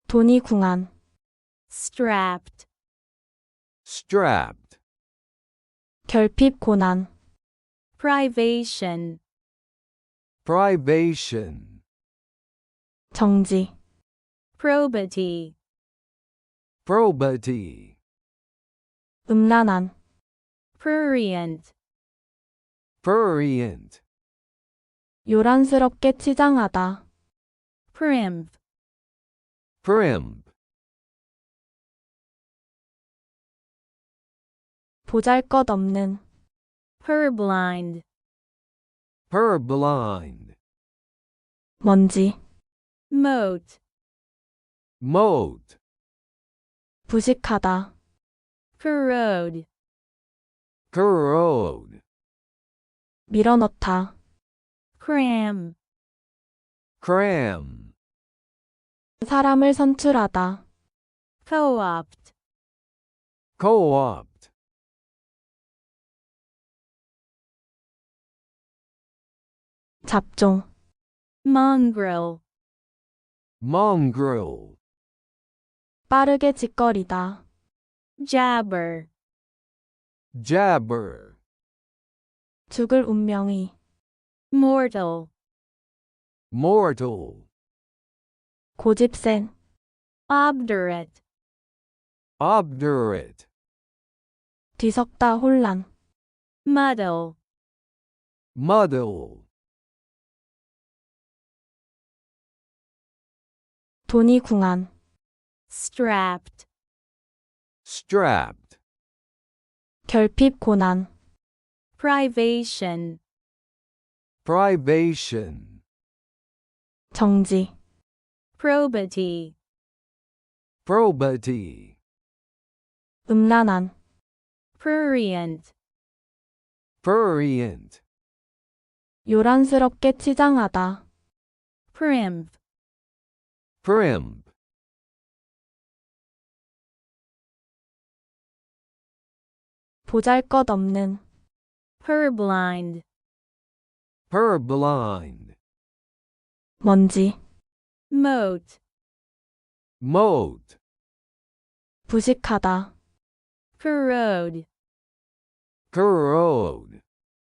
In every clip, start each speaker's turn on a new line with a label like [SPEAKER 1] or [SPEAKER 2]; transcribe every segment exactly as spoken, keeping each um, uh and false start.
[SPEAKER 1] 돈이 궁한,
[SPEAKER 2] strapped,
[SPEAKER 3] strapped,
[SPEAKER 1] 결핍 고난,
[SPEAKER 2] privation,
[SPEAKER 3] privation,
[SPEAKER 1] 정지,
[SPEAKER 2] probity,
[SPEAKER 3] probity,
[SPEAKER 1] 음란한,
[SPEAKER 2] prurient,
[SPEAKER 3] prurient,
[SPEAKER 1] 요란스럽게 치장하다,
[SPEAKER 2] primp,
[SPEAKER 3] primp,
[SPEAKER 1] 보잘것없는,
[SPEAKER 2] purblind,
[SPEAKER 3] purblind,
[SPEAKER 1] 먼지,
[SPEAKER 2] moat,
[SPEAKER 3] moat,
[SPEAKER 1] 부식하다,
[SPEAKER 2] corrode,
[SPEAKER 3] corrode,
[SPEAKER 1] 밀어넣다,
[SPEAKER 2] cram,
[SPEAKER 3] cram,
[SPEAKER 1] 사람을 선출하다,
[SPEAKER 2] co-opt,
[SPEAKER 3] co-opt,
[SPEAKER 1] 잡종,
[SPEAKER 2] mongrel,
[SPEAKER 3] mongrel,
[SPEAKER 1] 빠르게 짓거리다,
[SPEAKER 2] jabber,
[SPEAKER 3] jabber,
[SPEAKER 1] 죽을 운명이,
[SPEAKER 2] mortal,
[SPEAKER 3] mortal,
[SPEAKER 1] 고집센,
[SPEAKER 2] obdurate,
[SPEAKER 3] obdurate,
[SPEAKER 1] 뒤섞다 혼란,
[SPEAKER 2] muddle,
[SPEAKER 3] muddle,
[SPEAKER 1] 돈이 궁한,
[SPEAKER 2] strapped,
[SPEAKER 3] strapped,
[SPEAKER 1] 결핍 고난,
[SPEAKER 2] privation,
[SPEAKER 3] privation,
[SPEAKER 1] 정지,
[SPEAKER 2] probity,
[SPEAKER 3] probity,
[SPEAKER 1] 음란한,
[SPEAKER 2] prurient,
[SPEAKER 3] prurient,
[SPEAKER 1] 요란스럽게 치장하다,
[SPEAKER 2] primp,
[SPEAKER 3] primp,
[SPEAKER 1] 보잘것없는,
[SPEAKER 2] purblind,
[SPEAKER 3] purblind,
[SPEAKER 1] 먼지,
[SPEAKER 2] moat,
[SPEAKER 3] moat,
[SPEAKER 1] 부식하다,
[SPEAKER 2] corrode,
[SPEAKER 3] corrode,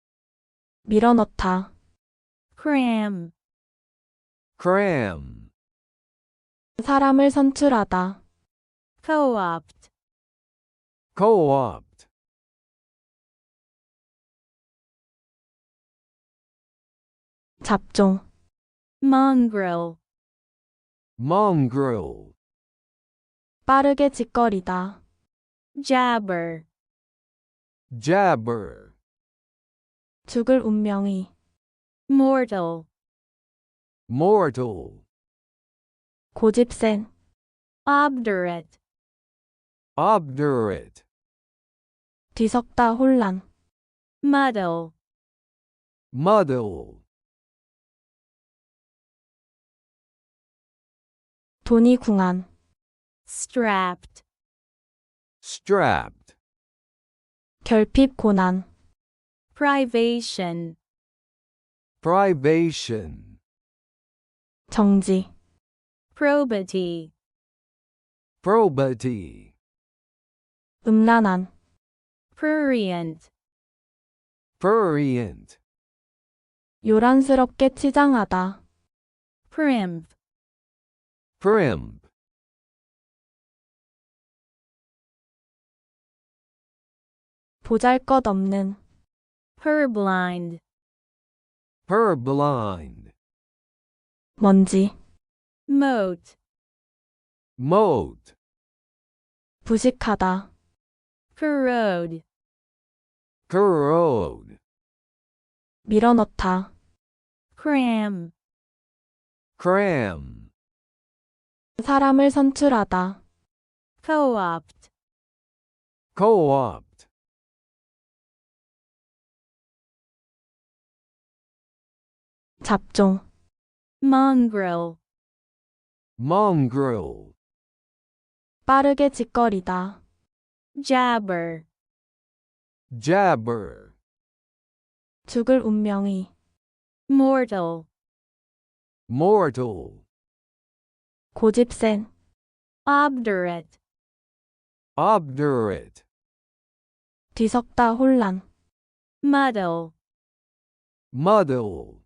[SPEAKER 1] 밀어넣다,
[SPEAKER 2] cram,
[SPEAKER 3] cram,
[SPEAKER 1] 사람을 선출하다,
[SPEAKER 2] co-opt,
[SPEAKER 3] co-opt,
[SPEAKER 1] 잡종,
[SPEAKER 2] mongrel,
[SPEAKER 3] mongrel,
[SPEAKER 1] 빠르게 짓거리다,
[SPEAKER 2] jabber,
[SPEAKER 3] jabber,
[SPEAKER 1] 죽을 운명이,
[SPEAKER 2] mortal,
[SPEAKER 3] mortal,
[SPEAKER 1] 고집센,
[SPEAKER 2] obdurate,
[SPEAKER 3] obdurate,
[SPEAKER 1] 뒤섞다 혼란,
[SPEAKER 2] muddle,
[SPEAKER 3] muddle,
[SPEAKER 1] 돈이 궁한,
[SPEAKER 2] strapped,
[SPEAKER 3] strapped,
[SPEAKER 1] 결핍 고난,
[SPEAKER 2] privation,
[SPEAKER 3] privation,
[SPEAKER 1] 정지,
[SPEAKER 2] probity,
[SPEAKER 3] probity,
[SPEAKER 1] 음란한,
[SPEAKER 2] prurient,
[SPEAKER 3] prurient,
[SPEAKER 1] 요란스럽게 치장하다,
[SPEAKER 2] primp,
[SPEAKER 3] primp,
[SPEAKER 1] 보잘것없는,
[SPEAKER 2] purblind,
[SPEAKER 3] purblind,
[SPEAKER 1] 먼지,
[SPEAKER 2] moat,
[SPEAKER 3] moat,
[SPEAKER 1] 부식하다,
[SPEAKER 2] corrode,
[SPEAKER 3] corrode,
[SPEAKER 1] 밀어넣다,
[SPEAKER 2] cram,
[SPEAKER 3] cram,
[SPEAKER 1] 사람을 선출하다,
[SPEAKER 2] co-opt,
[SPEAKER 3] co-opt,
[SPEAKER 1] 잡종,
[SPEAKER 2] mongrel,
[SPEAKER 3] mongrel,
[SPEAKER 1] 빠르게 짓거리다,
[SPEAKER 2] jabber,
[SPEAKER 3] jabber,
[SPEAKER 1] 죽을 운명이,
[SPEAKER 2] mortal,
[SPEAKER 3] mortal,
[SPEAKER 1] 고집센,
[SPEAKER 2] obdurate,
[SPEAKER 3] obdurate,
[SPEAKER 1] 뒤섞다 혼란,
[SPEAKER 2] muddle,
[SPEAKER 3] muddle,